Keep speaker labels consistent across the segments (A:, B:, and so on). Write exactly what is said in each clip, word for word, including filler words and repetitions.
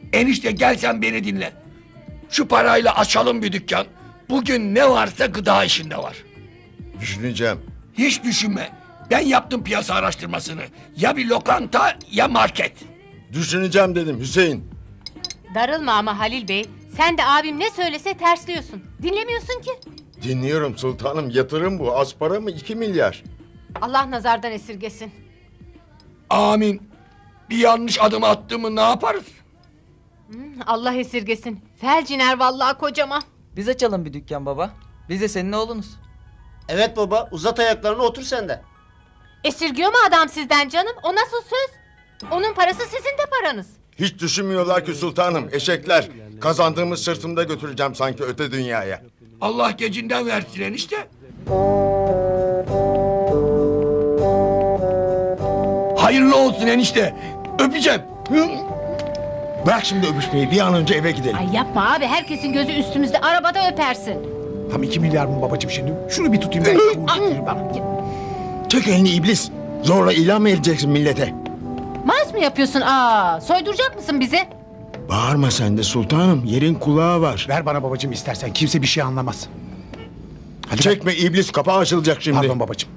A: Enişte gel sen beni dinle. Şu parayla açalım bir dükkan. Bugün ne varsa gıda işinde var.
B: Düşüneceğim.
A: Hiç düşünme. Ben yaptım piyasa araştırmasını. Ya bir lokanta ya market.
B: Düşüneceğim dedim Hüseyin.
C: Darılma ama Halil Bey. Sen de abim ne söylese tersliyorsun. Dinlemiyorsun ki.
B: Dinliyorum sultanım, yatırım bu. Az para mı? iki milyar.
C: Allah nazardan esirgesin.
A: Amin. Bir yanlış adım attığımı ne yaparız?
C: Allah esirgesin. Felciner vallahi kocama.
D: Biz açalım bir dükkan baba. Biz de senin oğlunuz.
E: Evet baba, uzat ayaklarını, otur sen de.
C: Esirgiyor mu adam sizden canım? O nasıl söz? Onun parası sizin de paranız.
B: Hiç düşünmüyorlar ki sultanım, eşekler. Kazandığımız sırtımda götüreceğim sanki öte dünyaya.
A: Allah gecinden versin enişte. Hayırlı olsun enişte. Öpeceğim.
B: Bırak şimdi öpüşmeyi, bir an önce eve gidelim.
C: Ay yapma abi, herkesin gözü üstümüzde, arabada öpersin.
F: Tam iki milyar mı babacığım şimdi? Şunu bir tutayım ben. Uğur, bana.
B: Çek elini iblis. Zorla ilan mı edeceksin millete?
C: Mars mı yapıyorsun? Aa, soyduracak mısın bizi?
B: Bağırma sen de sultanım, yerin kulağı var.
F: Ver bana babacığım istersen. Kimse bir şey anlamaz. Hadi
B: Çekme iblis, kapağı açılacak şimdi.
F: Pardon babacığım.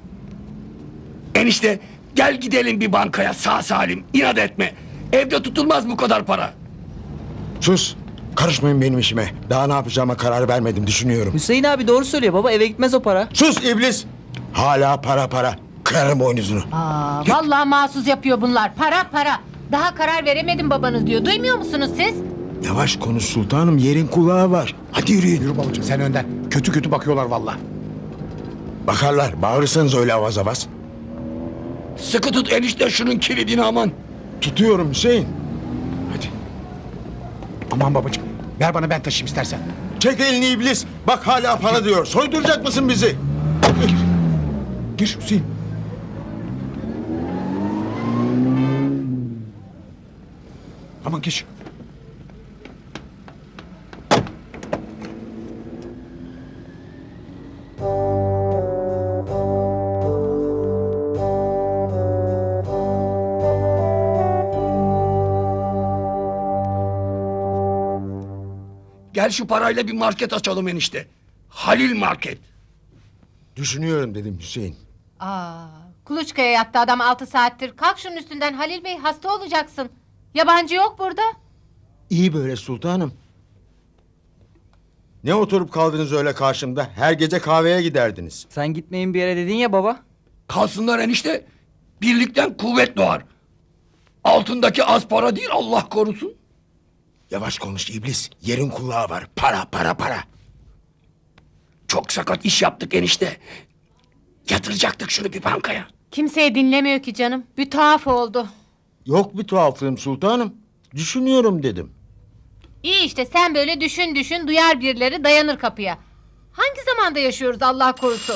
A: Enişte gel gidelim bir bankaya sağ salim. İnat etme. Evde tutulmaz bu kadar para.
B: Sus, karışmayın benim işime. Daha ne yapacağıma karar vermedim, düşünüyorum.
D: Hüseyin abi doğru söylüyor baba, eve gitmez o para.
B: Sus iblis! Hala para para. Kırarım boynuzunu.
C: Aa, vallahi mahsus yapıyor bunlar. Para para. Daha karar veremedim babanız diyor. Duymuyor musunuz siz?
B: Yavaş konuş sultanım, yerin kulağı var. Hadi yürüyün.
F: Yürü babacığım sen önden. Kötü kötü bakıyorlar vallahi.
B: Bakarlar, bağırırsanız öyle avaz avaz.
A: Sıkı tut enişte şunun kilidini aman.
B: Tutuyorum Hüseyin. Hadi.
F: Aman babacığım. Ver bana, ben taşıyayım istersen.
B: Çek elini iblis. Bak hala para diyor. Soyduracak mısın bizi?
F: Gir Hüseyin. Aman geç.
A: Gel şu parayla bir market açalım enişte. Halil Market.
B: Düşünüyorum dedim Hüseyin.
C: Aa, kuluçkaya yattı adam altı saattir. Kalk şunun üstünden Halil Bey, hasta olacaksın. Yabancı yok burada.
B: İyi böyle sultanım. Ne oturup kaldınız öyle karşımda? Her gece kahveye giderdiniz.
D: Sen gitmeyin bir yere dedin ya baba.
A: Kalsınlar enişte. Birlikten kuvvet doğar. Altındaki az para değil Allah korusun.
B: Yavaş konuş iblis. Yerin kulağı var. Para para para.
A: Çok sakat iş yaptık enişte. Yatıracaktık şunu bir bankaya.
C: Kimseye dinlemiyor ki canım. Bir tuhaf oldu.
B: Yok bir tuhaflığım sultanım. Düşünüyorum dedim.
C: İyi işte, sen böyle düşün düşün, duyar birileri, dayanır kapıya. Hangi zamanda yaşıyoruz Allah korusun?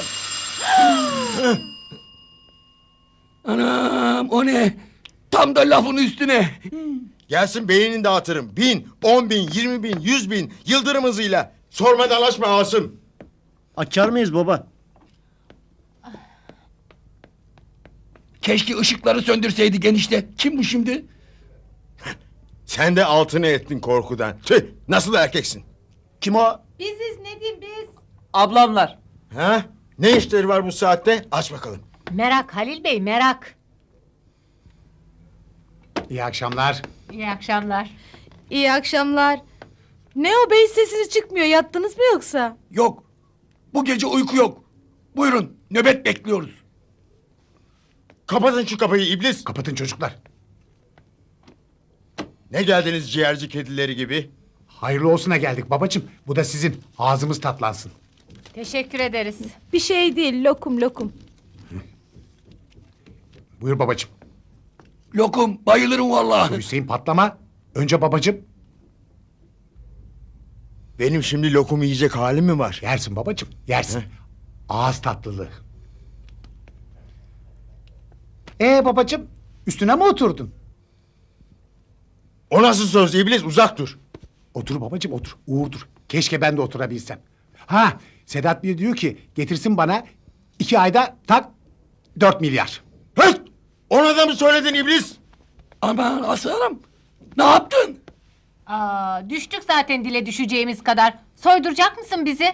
A: Anam o ne? Tam da lafın üstüne.
B: Gelsin beynini dağıtırım. Bin, on bin, yirmi bin, yüz bin. Yıldırım hızıyla. Sorma dalaşma Asım.
E: Açar mıyız baba?
A: Keşke ışıkları söndürseydik enişte. Kim bu şimdi?
B: Sen de altını ettin korkudan. Tüh, nasıl erkeksin?
E: Kim o?
C: Biziz Nedim biz.
D: Ablamlar.
B: Ha? Ne işleri var bu saatte? Aç bakalım.
C: Merak Halil Bey, merak.
F: İyi akşamlar.
C: İyi akşamlar.
G: İyi akşamlar. Ne o bey, sesiniz çıkmıyor. Yattınız mı yoksa?
A: Yok. Bu gece uyku yok. Buyurun nöbet bekliyoruz.
B: Kapatın şu kapıyı iblis.
F: Kapatın çocuklar.
B: Ne geldiniz ciğerci kedileri gibi?
F: Hayırlı olsuna geldik babacığım. Bu da sizin. Ağzımız tatlansın.
C: Teşekkür ederiz.
G: Bir şey değil, lokum lokum.
F: Buyur babacığım.
A: Lokum bayılırım vallahi.
F: Hüseyin patlama. Önce babacığım.
B: Benim şimdi lokum yiyecek halim mi var?
F: Yersin babacığım. Yersin.
B: Heh.
F: Ağız tatlılığı. Ee babacığım. Üstüne mi oturdun?
B: O nasıl söz iblis, uzak dur.
F: Otur babacığım otur. Uğurdur. Keşke ben de oturabilsem. Ha, Sedat Bey diyor ki getirsin bana iki ayda tak dört milyar.
B: Hıt! Ona da mı söyledin iblis?
A: Aman aslanım. Ne yaptın?
C: Aa, düştük zaten dile düşeceğimiz kadar. Soyduracak mısın bizi?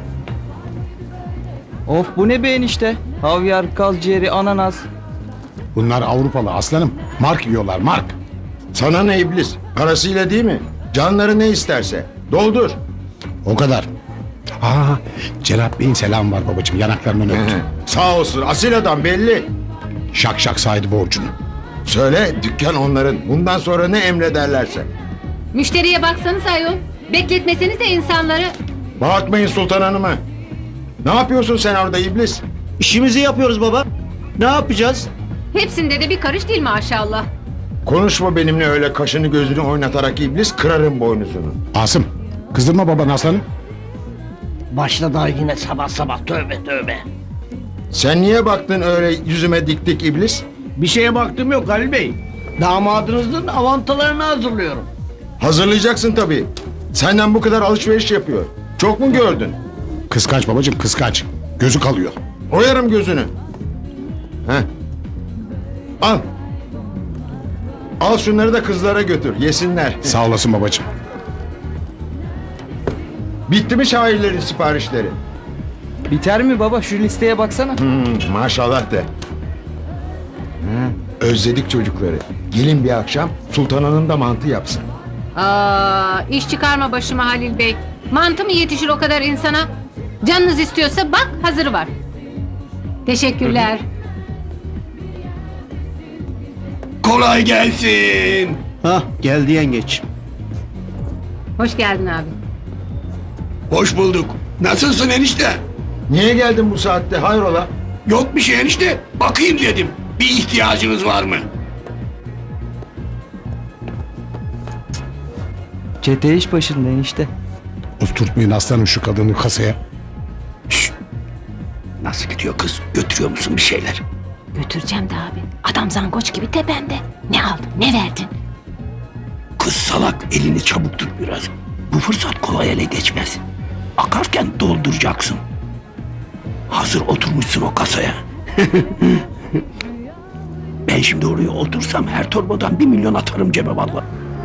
D: Of bu ne be enişte? Havyar, kaz ciğeri, ananas.
F: Bunlar Avrupalı aslanım. Mark yiyorlar mark.
B: Sana ne iblis? Parasıyla değil mi? Canları ne isterse. Doldur.
F: O kadar. Aa, Cenap Bey'in selamı var babacığım. Yanaklarından öptü.
B: Sağ olsun asil adam belli.
F: Şak şak saydı borcunu.
B: Söyle dükkan onların. Bundan sonra ne emrederlerse.
C: Müşteriye baksanız ayol. Bekletmeseniz de insanları.
B: Bağırtmayın Sultan Hanım'a. Ne yapıyorsun sen orada iblis?
E: İşimizi yapıyoruz baba. Ne yapacağız?
C: Hepsinde de bir karış değil maşallah.
B: Konuşma benimle öyle kaşını gözünü oynatarak iblis, kırarım boynuzunu.
F: Asım, kızdırma babanı aslanım.
E: Başladı yine sabah sabah tövbe tövbe.
B: Sen niye baktın öyle yüzüme dik dik iblis?
E: Bir şeye baktım yok Halil Bey. Damadınızın avantalarını hazırlıyorum.
B: Hazırlayacaksın tabii. Senden bu kadar alışveriş yapıyor. Çok mu gördün?
F: Kıskanç babacığım kıskanç. Gözü kalıyor.
B: Oyarım gözünü. Heh. Al. Al şunları da kızlara götür, yesinler.
F: Sağ olasın babacığım.
B: Bitti mi şairlerin siparişleri?
D: Biter mi baba? Şu listeye baksana.
B: Hmm, maşallah de. Özledik çocukları. Gelin bir akşam Sultan Hanım da mantı yapsın.
C: Aa, iş çıkarma başıma Halil Bey. Mantı mı yetişir o kadar insana? Canınız istiyorsa bak hazırı var. Teşekkürler.
A: Kolay gelsin.
E: Hah geldi yengeç.
C: Hoş geldin abi.
A: Hoş bulduk. Nasılsın enişte?
B: Niye geldin bu saatte hayrola?
A: Yok bir şey enişte. Bakayım dedim. Bir ihtiyacınız var mı?
D: Çete iş başında enişte.
F: Oturtmayın aslanım şu kadını kasaya.
A: Nasıl gidiyor kız? Götürüyor musun bir şeyler?
C: Götüreceğim de abi. Adam zangoç gibi tepemde. Ne aldın ne verdin?
A: Kız salak, elini çabuk tut biraz. Bu fırsat kolay ele geçmez. Akarken dolduracaksın. Hazır oturmuşsun o kasaya. Ben şimdi oraya otursam her torbadan bir milyon atarım cebe vallahi.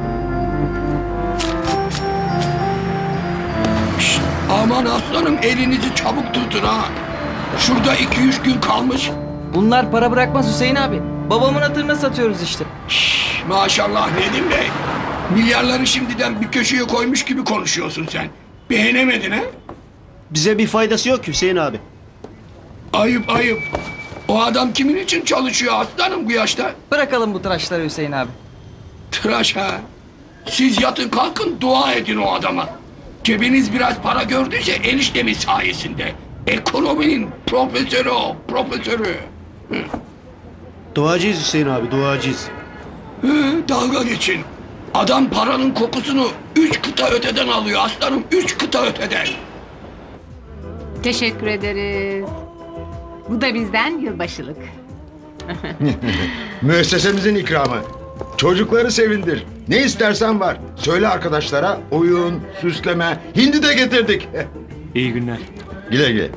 A: Şşt, aman aslanım elinizi çabuk tutun ha. Şurada iki üç gün kalmış.
D: Bunlar para bırakmaz Hüseyin abi. Babamın hatırına satıyoruz işte.
A: Şşş, maşallah Nedim Bey. Milyarları şimdiden bir köşeye koymuş gibi konuşuyorsun sen. Beğenemedin ha?
E: Bize bir faydası yok Hüseyin abi.
A: Ayıp ayıp. O adam kimin için çalışıyor aslanım bu yaşta?
D: Bırakalım bu tıraşları Hüseyin abi.
A: Tıraş ha. Siz yatın kalkın dua edin o adama. Cebiniz biraz para gördüyse eniştemin sayesinde. Ekonominin profesörü o, profesörü.
E: Duacıyız Hüseyin abi duacıyız.
A: Hı, dalga geçin. Adam paranın kokusunu üç kıta öteden alıyor aslanım, üç kıta öteden.
C: Teşekkür ederiz. Bu da bizden yılbaşılık.
B: Müessesemizin ikramı. Çocukları sevindir. Ne istersen var. Söyle arkadaşlara oyun, süsleme, hindi de getirdik.
H: İyi günler.
B: Güle güle.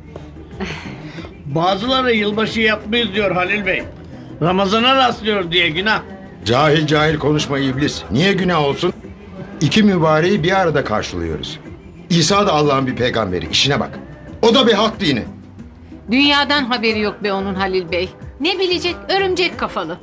I: Bazıları yılbaşı yapmayız diyor Halil Bey. Ramazana rastlıyor diye günah.
B: Cahil cahil konuşma iblis. Niye günah olsun? İki mübareği bir arada karşılıyoruz. İsa da Allah'ın bir peygamberi. İşine bak. O da bir hak dini.
C: Dünyadan haberi yok be onun Halil Bey. Ne bilecek örümcek kafalı.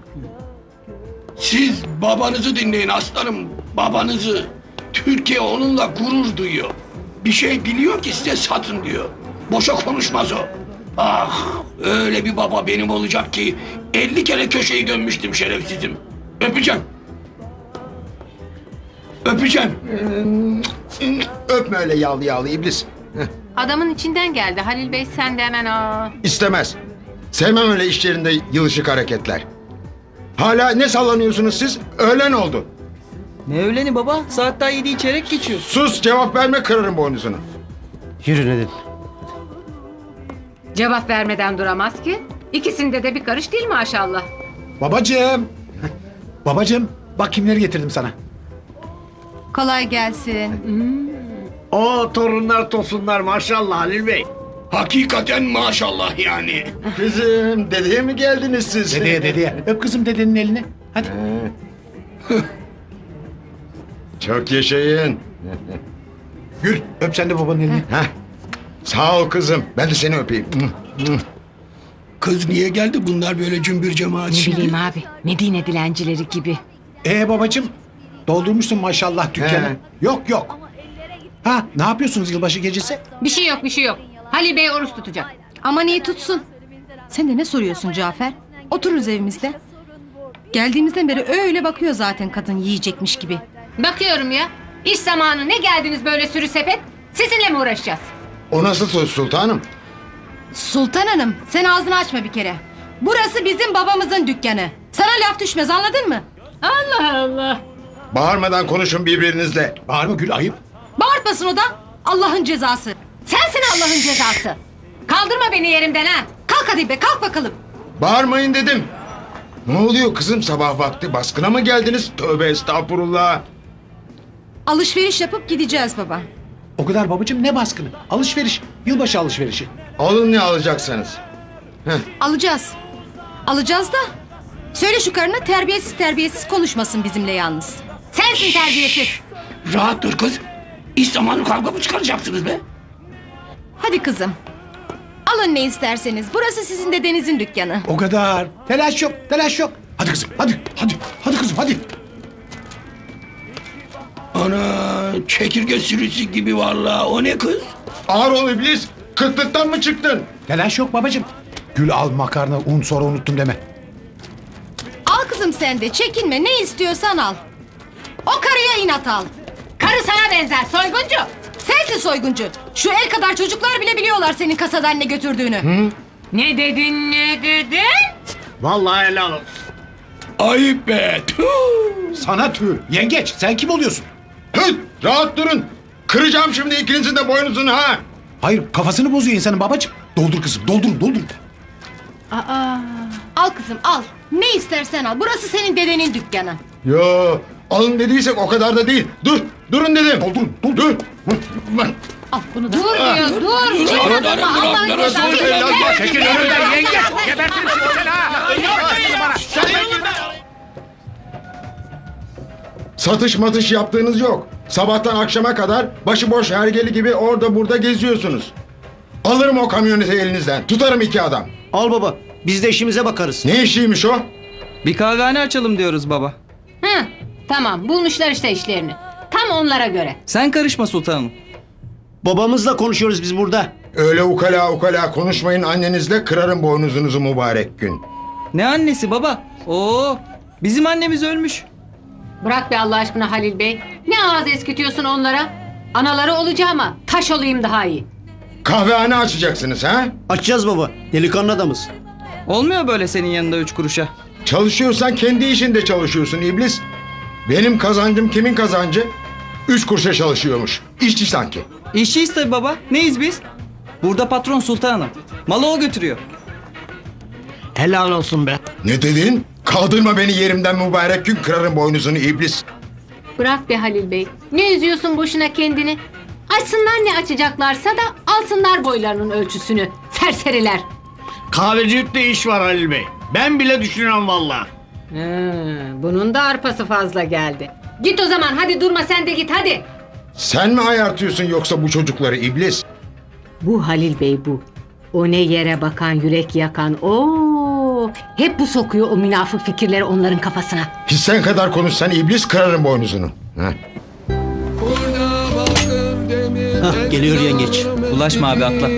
A: Siz babanızı dinleyin aslanım, babanızı. Türkiye onunla gurur duyuyor. Bir şey biliyor ki size satın diyor. Boşa konuşmaz o. Ah, öyle bir baba benim olacak ki elli kere köşeyi dönmüştüm şerefsizim. Öpeceğim. Öpeceğim.
B: Öpme öyle yağlı yağlı iblis.
C: Adamın içinden geldi Halil Bey sen de hemen aa.
B: İstemez. Sevmem öyle iş yerinde yılışık hareketler. Hala ne sallanıyorsunuz siz? Öğlen oldu.
D: Ne öğleni baba? Saat daha yedi çeyrek geçiyor.
B: Sus, cevap verme, kırarım boynuzunu.
E: Yürü Nedim.
C: Cevap vermeden duramaz ki. İkisinde de bir karış değil maşallah.
F: Babacığım. Babacığım bak kimleri getirdim sana.
G: Kolay gelsin.
I: O torunlar tosunlar maşallah Halil Bey.
A: Hakikaten maşallah yani.
B: Kızım, dedeye mi geldiniz siz?
F: Dedeye dedeye. Öp kızım dedenin elini. Hadi.
B: Çok yaşayın.
F: Gül öp sen de babanın elini.
B: Heh. Sağ ol kızım. Ben de seni öpeyim.
A: Kız niye geldi bunlar böyle cümbür cemaat
C: Ne
A: şimdi?
C: bileyim abi. Medine dilencileri gibi.
F: Ee babacığım doldurmuşsun maşallah dükkanı.
B: He.
F: Yok yok. Ha ne yapıyorsunuz yılbaşı gecesi?
C: Bir şey yok bir şey yok. Halil Bey oruç tutacak.
G: Aman iyi tutsun. Sen de ne soruyorsun Cafer? Otururuz evimizde. Geldiğimizden beri öyle bakıyor zaten kadın yiyecekmiş gibi.
C: Bakıyorum ya. İş zamanı ne geldiniz böyle sürü sepet? Sizinle mi uğraşacağız?
B: O nasıl söz sultanım?
G: Sultan Hanım sen ağzını açma bir kere. Burası bizim babamızın dükkanı. Sana laf düşmez anladın mı?
C: Allah Allah.
B: Bağırmadan konuşun birbirinizle.
F: Bağırma Gül ayıp.
G: Bağırtmasın o da. Allah'ın cezası.
C: Sensin Allah'ın cezası. Kaldırma beni yerimden ha.
G: Kalk hadi be kalk bakalım.
B: Bağırmayın dedim. Ne oluyor kızım sabah vakti baskına mı geldiniz? Tövbe estağfurullah.
G: Alışveriş yapıp gideceğiz baba.
F: O kadar babacığım ne baskını? Alışveriş. Yılbaşı alışverişi.
B: Alın ne alacaksanız.
G: Alacağız. Alacağız da. Söyle şu karına terbiyesiz terbiyesiz konuşmasın bizimle yalnız.
C: Sensin terbiyesiz.
A: Rahat dur kız. İş zamanı kavga mı çıkaracaksınız be?
G: Hadi kızım. Alın ne isterseniz. Burası sizin dedenizin dükkanı.
F: O kadar. Telaş yok telaş yok. Hadi kızım hadi hadi. Hadi kızım hadi.
A: Ana çekirge sürüsü gibi vallahi. O ne kız?
B: Ağır ol iblis. Kıtlıktan mı çıktın?
F: Telaş yok babacığım. Gül al makarna un sonra unuttum deme.
G: Al kızım sen de çekinme ne istiyorsan al. O karıya inat al.
C: Karı sana benzer soyguncu.
G: Sensin soyguncu. Şu el kadar çocuklar bile biliyorlar senin kasadan ne götürdüğünü.
C: Ne dedin ne dedin?
I: Vallahi helal olsun.
A: Ayıp be. Tüh.
F: Sana tüh. Yengeç sen kim oluyorsun?
B: Hıt! Rahat durun. Kıracağım şimdi ikinizin de boynuzunu ha.
F: Hayır kafasını bozuyor insanın babacığım. Doldur kızım doldur doldur.
C: Aa.
G: Al kızım al. Ne istersen al. Burası senin dedenin dükkanı.
B: Yo, alın dediysek o kadar da değil. Dur, durun dedim.
F: Doldurun doldur.
B: Dur.
G: Al bunu da.
C: Dur diyor dur.
A: Dur,
C: Dur,
A: dur,
C: adama
A: dur,
C: Allah'ın
A: dur,
C: cezası.
B: dur, dur, dur,
F: Çekil önümden yengeç. Gebertirim seni sen ha.
B: Satış matış yaptığınız yok. Sabahtan akşama kadar başıboş hergeli gibi orada burada geziyorsunuz. Alırım o kamyoneti elinizden. Tutarım iki adam.
E: Al baba. Biz de işimize bakarız.
B: Ne işiymiş o?
D: Bir kahvehane açalım diyoruz baba.
C: Hı, tamam bulmuşlar işte işlerini. Tam onlara göre.
D: Sen karışma sultanım.
E: Babamızla konuşuyoruz biz burada.
B: Öyle ukala ukala konuşmayın annenizle kırarım boynuzunuzu mübarek gün.
D: Ne annesi baba? Oo, bizim annemiz ölmüş.
C: Bırak be Allah aşkına Halil Bey. Ne ağız eskitiyorsun onlara? Anaları olacağıma taş olayım daha iyi.
B: Kahvehane açacaksınız ha?
E: Açacağız baba. Delikanlı adamız.
D: Olmuyor böyle senin yanında üç kuruşa.
B: Çalışıyorsan kendi işinde çalışıyorsun iblis. Benim kazancım kimin kazancı? Üç kuruşa çalışıyormuş. İşçi sanki.
D: İşçiyiz tabii baba. Neyiz biz? Burada patron sultanım. Malı o götürüyor.
E: Helal olsun be.
B: Ne dedin? Kaldırma beni yerimden mübarek gün kırarım boynuzunu iblis.
C: Bırak be Halil Bey. Ne üzüyorsun boşuna kendini? Açsınlar ne açacaklarsa da alsınlar boylarının ölçüsünü. Serseriler.
I: Kahvecilikte iş var Halil Bey. Ben bile düşünüyorum vallahi.
C: Hmm, bunun da arpası fazla geldi. Git o zaman hadi durma sen de git hadi.
B: Sen mi ayartıyorsun yoksa bu çocukları iblis?
C: Bu Halil Bey bu. O ne yere bakan yürek yakan. Oo, hep bu sokuyor o münafık fikirleri onların kafasına.
B: Hissen kadar konuşsan iblis kırarım boynuzunu. Heh.
E: Hah geliyor yengeç.
D: Ulaşma abi atla.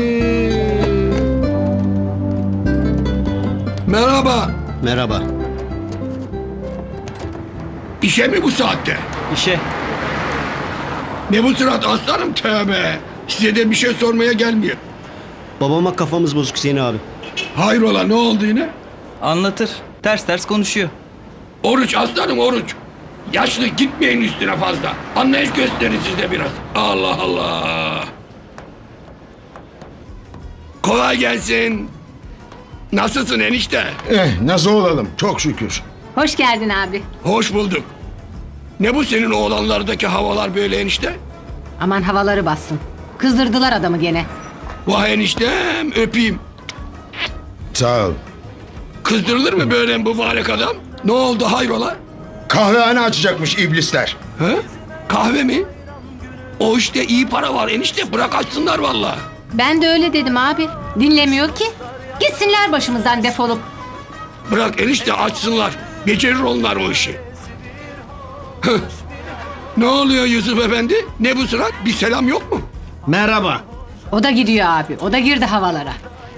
A: Merhaba.
E: Merhaba.
A: İşe mi bu saatte?
D: İşe.
A: Ne bu surat aslanım tövbe. Size de bir şey sormaya gelmiyor.
E: Babama kafamız bozuk Hüseyin abi.
A: Hayrola ne oldu yine?
D: Anlatır. Ters ters konuşuyor.
A: Oruç aslanım oruç. Yaşlı gitmeyin üstüne fazla. Anlayış gösterin siz de biraz. Allah Allah. Kolay gelsin. Nasılsın enişte?
B: Eh nasıl olalım çok şükür.
C: Hoş geldin abi.
A: Hoş bulduk. Ne bu senin oğlanlardaki havalar böyle enişte?
C: Aman havaları bassın. Kızdırdılar adamı gene.
A: Vay eniştem öpeyim.
B: Sağ ol.
A: Kızdırılır mı böyle mübarek adam? Ne oldu hayrola?
B: Kahvehane açacakmış iblisler.
A: He? Kahve mi? O işte iyi para var enişte, bırak açsınlar vallahi.
C: Ben de öyle dedim abi. Dinlemiyor ki. Gitsinler başımızdan defolup.
A: Bırak enişte açsınlar. Becerir onlar o işi. Hıh. Ne oluyor Yusuf Efendi? Ne bu surat? Bir selam yok mu?
I: Merhaba.
C: O da gidiyor abi. O da girdi havalara.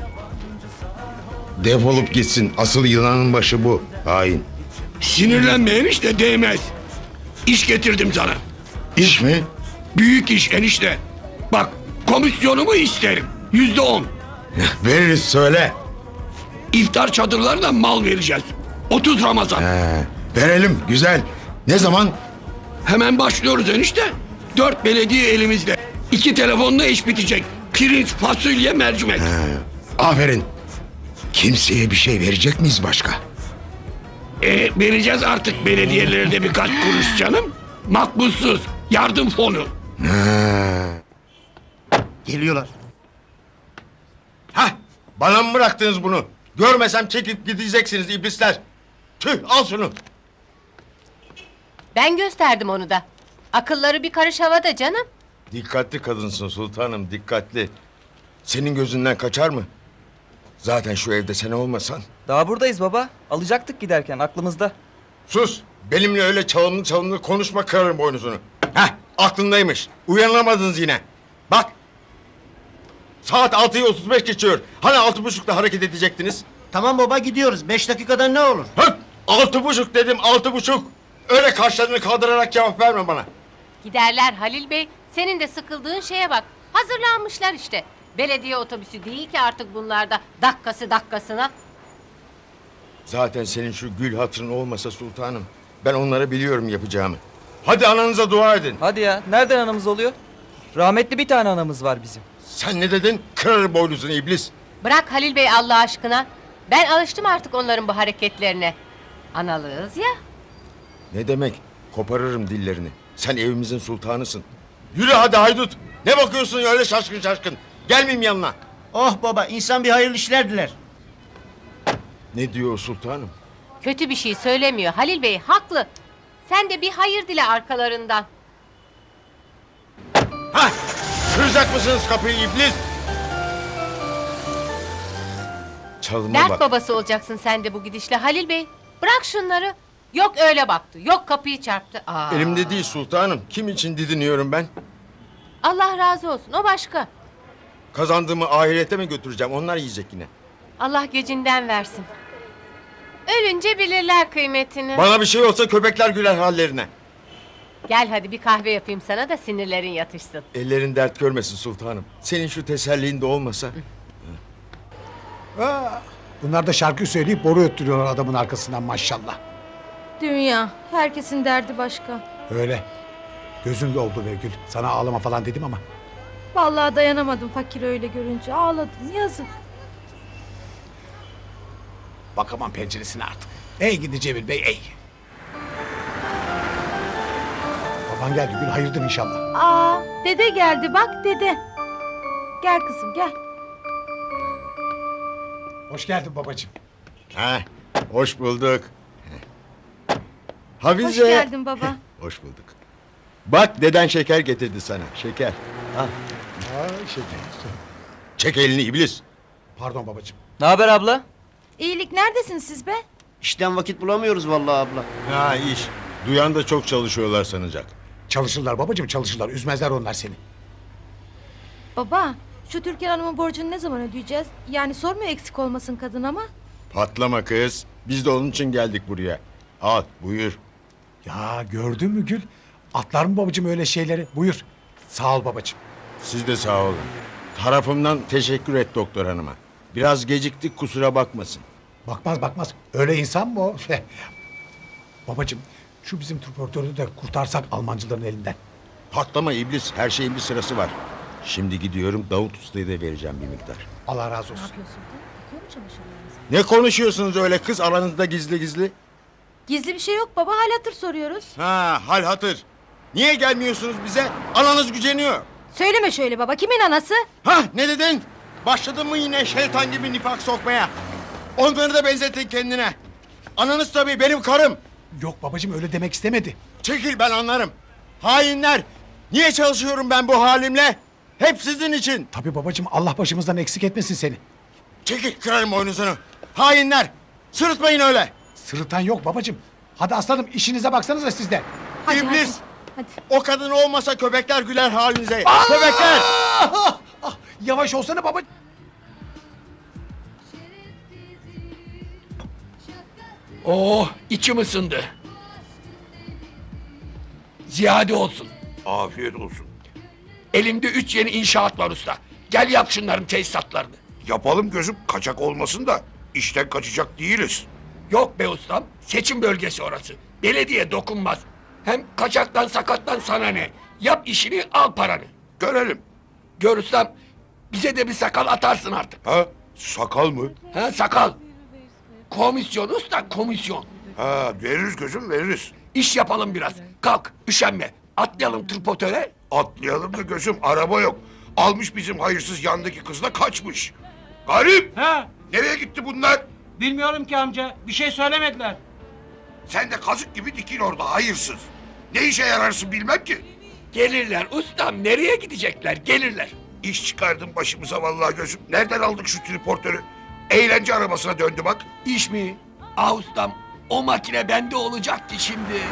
B: Defolup gitsin. Asıl yılanın başı bu. Hain.
A: Sinirlenme enişte, değmez. İş getirdim sana.
B: İş mi?
A: Büyük iş enişte. Bak, komisyonumu isterim. Yüzde on.
B: Veririz söyle.
A: İftar çadırlarına mal vereceğiz. otuz Ramazan.
B: He, verelim güzel. Ne zaman?
A: Hemen başlıyoruz enişte. Dört belediye elimizde. İki telefonla iş bitecek. Pirinç, fasulye, mercimek.
B: He, aferin. Kimseye bir şey verecek miyiz başka?
A: E, vereceğiz artık belediyelere de birkaç kuruş canım. Makbuzsuz. Yardım fonu.
B: He.
F: Geliyorlar.
B: Hah, bana mı bıraktınız bunu? Görmesem çekip gideceksiniz iblisler. Tüh, al şunu.
C: Ben gösterdim onu da. Akılları bir karış havada canım.
B: Dikkatli kadınsın sultanım, dikkatli. Senin gözünden kaçar mı? Zaten şu evde sen olmasan.
D: Daha buradayız baba. Alacaktık giderken aklımızda.
B: Sus, benimle öyle çalımlı çalımlı konuşma, kırarım boynuzunu. Heh, aklındaymış. Uyanamadınız yine. Bak. Saat altıyı otuz beş geçiyor. Hani altı buçukta hareket edecektiniz?
E: Tamam baba gidiyoruz. Beş dakikada ne olur?
B: Hı, altı buçuk dedim, altı buçuk. Öyle kaşlarını kaldırarak cevap verme bana.
C: Giderler Halil Bey. Senin de sıkıldığın şeye bak. Hazırlanmışlar işte. Belediye otobüsü değil ki artık bunlarda. Dakikası dakikasına.
B: Zaten senin şu gül hatırın olmasa sultanım, ben onlara biliyorum yapacağımı. Hadi ananıza dua edin.
D: Hadi ya. Nereden anamız oluyor? Rahmetli bir tane anamız var bizim.
B: Sen ne dedin? Kırarım boynuzunu iblis.
C: Bırak Halil Bey Allah aşkına. Ben alıştım artık onların bu hareketlerine. Analığız ya.
B: Ne demek? Koparırım dillerini. Sen evimizin sultanısın. Yürü hadi haydut. Ne bakıyorsun öyle şaşkın şaşkın? Gelmeyeyim yanına.
E: Oh baba insan bir hayırlı işler diler.
B: Ne diyor o sultanım?
C: Kötü bir şey söylemiyor. Halil Bey haklı. Sen de bir hayır dile arkalarından.
B: Hah! Kıracak mısınız kapıyı iblis? Çalıma
C: Dert
B: bak.
C: babası olacaksın sen de bu gidişle Halil Bey. Bırak şunları. Yok öyle baktı. Yok kapıyı çarptı. Aa.
B: Elimde değil sultanım. Kim için didiniyorum ben?
C: Allah razı olsun. O başka.
B: Kazandığımı ahirete mi götüreceğim? Onlar yiyecek yine.
C: Allah gecinden versin. Ölünce bilirler kıymetini.
B: Bana bir şey olsa köpekler güler hallerine.
C: Gel hadi bir kahve yapayım sana da sinirlerin yatışsın.
B: Ellerin dert görmesin sultanım. Senin şu teselliğin de olmasa.
F: Aa, bunlar da şarkı söyleyip boru öttürüyorlar adamın arkasından maşallah.
G: Dünya. Herkesin derdi başka.
F: Öyle. Gözüm doldu be Gül. Sana ağlama falan dedim ama.
G: Vallahi dayanamadım fakir öyle görünce. Ağladım yazık.
F: Bakamam penceresine artık. Ey gidi Cemil Bey ey. Baban geldi Gül, hayırdır inşallah.
G: Aa, dede geldi bak dede. Gel kızım gel.
F: Hoş geldin babacığım.
B: Ha, hoş bulduk. Hafize.
G: Hoş geldin baba.
B: Hoş bulduk. Bak deden şeker getirdi sana. Şeker. Al.
F: Aa, şey,
B: Çek elini iblis.
F: pardon babacığım.
D: Ne haber abla?
G: İyilik neredesiniz siz be?
E: İşten vakit bulamıyoruz vallahi abla.
B: Ha iş. Duyan da çok çalışıyorlar sanacak.
F: Çalışırlar babacığım çalışırlar. Üzmezler onlar seni.
G: Baba şu Türkan Hanım'ın borcunu ne zaman ödeyeceğiz? Yani sormuyor eksik olmasın kadın ama.
B: Patlama kız. Biz de onun için geldik buraya. Al buyur.
F: Ya gördün mü Gül? Atlar mı babacığım öyle şeyleri? Buyur. Sağ ol babacığım.
B: Siz de sağ olun. Tarafımdan teşekkür et doktor hanıma. Biraz geciktik kusura bakmasın.
F: Bakmaz bakmaz. Öyle insan mı o? Babacığım şu bizim transportörü de kurtarsak Almancıların elinden.
B: Patlama iblis. Her şeyin bir sırası var. Şimdi gidiyorum Davut Usta'ya da vereceğim bir miktar.
F: Allah razı olsun.
B: Ne konuşuyorsunuz öyle kız aranızda gizli gizli?
G: Gizli bir şey yok baba hal hatır soruyoruz.
B: Ha hal hatır. Niye gelmiyorsunuz bize? Ananız güceniyor.
G: Söyleme şöyle baba kimin anası?
B: Ha ne dedin? Başladın mı yine şeytan gibi nifak sokmaya? Onları da benzettin kendine. Ananız tabii benim karım.
F: Yok babacığım öyle demek istemedi.
B: Çekil ben anlarım. Hainler! Niye çalışıyorum ben bu halimle? Hep sizin için.
F: Tabii babacığım, Allah başımızdan eksik etmesin seni.
B: Çekil kırarım boynuzunu. Hainler! Sırıtmayın öyle.
F: Sırıtan yok babacığım. Hadi aslanım, işinize baksanıza siz de.
G: Hadi,
B: İblis!
G: hadi,
B: O kadın olmasa köpekler güler halinize. Köpekler!
F: Ah, ah, yavaş olsana baba.
A: Oh, içim ısındı. Ziyade olsun.
H: Afiyet olsun.
A: Elimde üç yeni inşaat var usta. Gel yap şunların tesisatlarını.
H: Yapalım gözüm, kaçak olmasın da işten kaçacak değiliz.
A: Yok be ustam, seçim bölgesi orası. Belediye dokunmaz. Hem kaçaktan sakattan sana ne? Yap işini, al paranı.
H: Görelim.
A: Gör ustam, bize de bir sakal atarsın artık.
H: Ha? Sakal mı?
A: Ha sakal. Komisyon usta, komisyon.
H: Ha, veririz gözüm, veririz.
A: İş yapalım biraz. Kalk, üşenme. Atlayalım tripotöre.
H: Atlayalım da gözüm, araba yok. Almış bizim hayırsız yandaki kızla kaçmış. Garip!
E: Ha,
H: Nereye gitti bunlar?
E: bilmiyorum ki amca. Bir şey söylemediler.
H: Sen de kazık gibi dikil orada hayırsız. Ne işe yararsın bilmem ki.
A: Gelirler ustam, nereye gidecekler? Gelirler.
H: İş çıkardın başımıza vallahi gözüm. Nereden aldık şu triportörü? Eğlence arabasına döndü bak.
A: İş mi? Ah ustam, o makine bende olacaktı şimdi.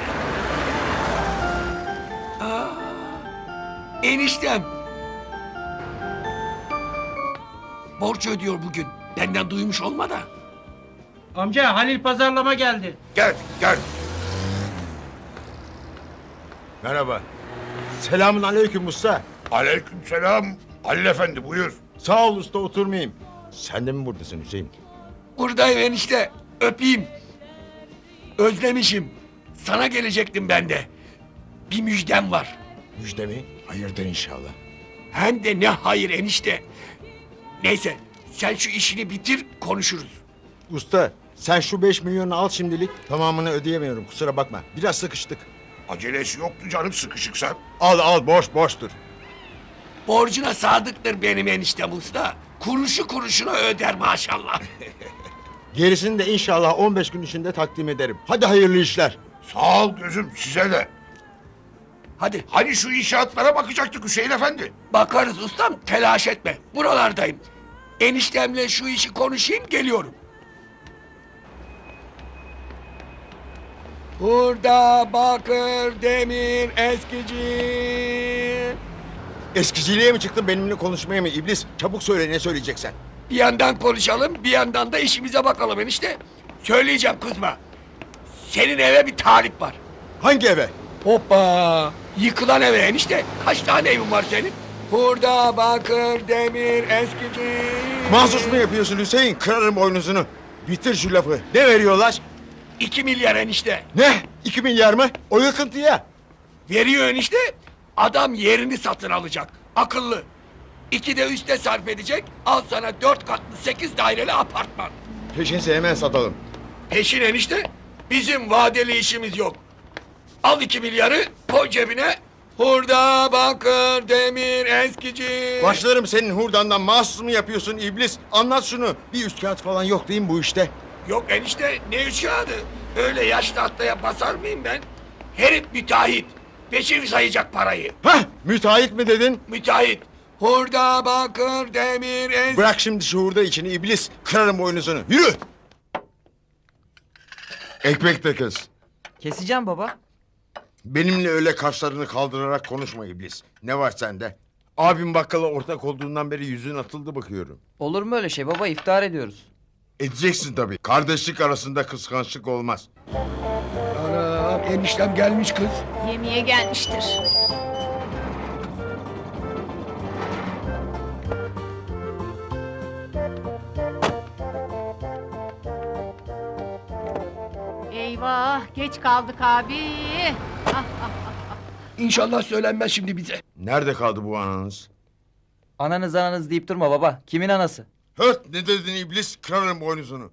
A: Aa, eniştem. Borç ödüyor bugün. Benden duymuş olma da.
E: Amca Halil pazarlama geldi.
H: Gel, gel.
B: Merhaba. Selamun aleyküm usta.
H: Aleykümselam. Halil efendi buyur.
B: Sağ ol usta, oturmayayım. Sen de mi buradasın Hüseyin?
A: Buradayım enişte. Öpeyim. Özlemişim. Sana gelecektim ben de. Bir müjdem var.
B: Müjde mi? Hayırdır inşallah.
A: Hem de ne hayır enişte. Neyse, sen şu işini bitir, konuşuruz.
B: Usta sen şu beş milyonu al şimdilik. Tamamını ödeyemiyorum, kusura bakma. Biraz sıkıştık.
H: Acelesi yoktu canım, sıkışıksan.
B: Al al, boş boştur.
A: Borcuna sadıktır benim eniştem usta. Kuruşu kuruşuna öder maşallah.
B: Gerisini de inşallah on beş gün içinde takdim ederim. Hadi hayırlı işler.
H: Sağ ol gözüm, size de.
A: Hadi
H: Hani şu inşaatlara bakacaktık Hüseyin efendi.
A: bakarız ustam, telaş etme. Buralardayım. Eniştemle şu işi konuşayım, geliyorum. Burada bakır, demir, eskici.
B: Eskiciliğe mi çıktın, benimle konuşmaya mı iblis? Çabuk söyle, ne söyleyeceksen.
A: Bir yandan konuşalım, bir yandan da işimize bakalım enişte. Söyleyeceğim, kızma. Senin eve bir talip var.
B: Hangi eve?
A: Hoppa! Yıkılan eve enişte. Kaç tane evin var senin? Burada bakır, demir, eskici.
B: Mahsus mu yapıyorsun Hüseyin? Kırarım boynuzunu. Bitir şu lafı. Ne veriyorlar?
A: İki milyar enişte.
B: Ne? İki milyar mı? O yıkıntıya.
A: Veriyor enişte. Adam yerini satın alacak. Akıllı. İki de üste sarf edecek. Al sana dört katlı sekiz daireli apartman.
B: Peşinse hemen satalım.
A: Peşin enişte. Bizim vadeli işimiz yok. Al iki milyarı, koy cebine. Hurda, bakır, demir, eskici.
B: Başlarım senin hurdandan, mahsus mu yapıyorsun iblis? Anlat şunu. Bir üst kağıt falan yok değil mi bu işte?
A: Yok enişte, ne üç kağıdı? Öyle yaş tahtaya basar mıyım ben? Herif müteahhit. Peşin sayacak parayı.
B: Hah, müteahhit mi dedin?
A: Müteahhit. Hurda, bakır, demir, eskici.
B: Bırak şimdi şu hurda içini iblis. Kırarım boynuzunu. Yürü. Ekmek de kız.
D: Keseceğim baba.
B: Benimle öyle kaşlarını kaldırarak konuşma iblis. Ne var sende? Abim bakkala ortak olduğundan beri yüzün atıldı bakıyorum.
D: Olur mu öyle şey baba, iftar ediyoruz.
B: Edeceksin tabii. Kardeşlik arasında kıskançlık olmaz.
A: Anam, eniştem gelmiş kız.
C: Yemeğe gelmiştir. Eyvah, geç kaldık abi. Ah, ah.
A: İnşallah söylenmez şimdi bize.
B: Nerede kaldı bu ananız?
D: Ananız ananız deyip durma baba. Kimin anası?
B: Höt, ne dedin iblis? Kırarım boynuzunu.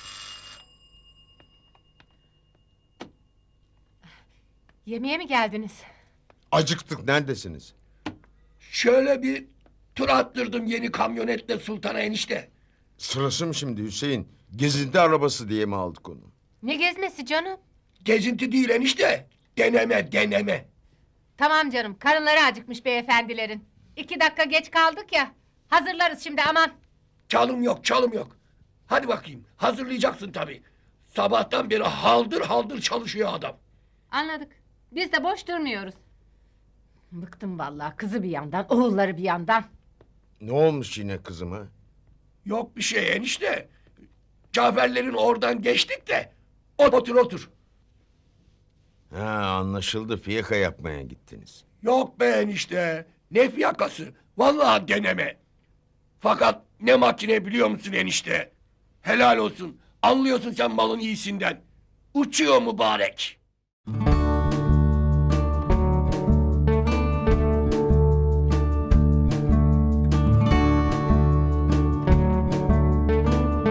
C: Yemeğe mi geldiniz?
B: Acıktık, neredesiniz?
A: Şöyle bir tur attırdım yeni kamyonetle Sultan'a enişte.
B: Sırası mı şimdi Hüseyin? Gezinti arabası diye mi aldık onu?
C: Ne gezmesi canım?
A: Gezinti değil enişte. Deneme, deneme.
C: Tamam canım, karınları acıkmış beyefendilerin. İki dakika geç kaldık ya. Hazırlarız şimdi, aman.
A: Çalım yok, çalım yok. Hadi bakayım, hazırlayacaksın tabii. Sabahtan beri haldır haldır çalışıyor adam.
C: Anladık. Biz de boş durmuyoruz. Bıktım vallahi, kızı bir yandan, oğulları bir yandan.
B: Ne olmuş yine kızıma?
A: Yok bir şey enişte. Caferlerin oradan geçtik de. Otur otur.
B: Ha anlaşıldı, fiyaka yapmaya gittiniz.
A: Yok be enişte. Ne fiyakası? Vallahi deneme. Fakat ne makine biliyor musun enişte? Helal olsun. Anlıyorsun sen malın iyisinden. Uçuyor mübarek.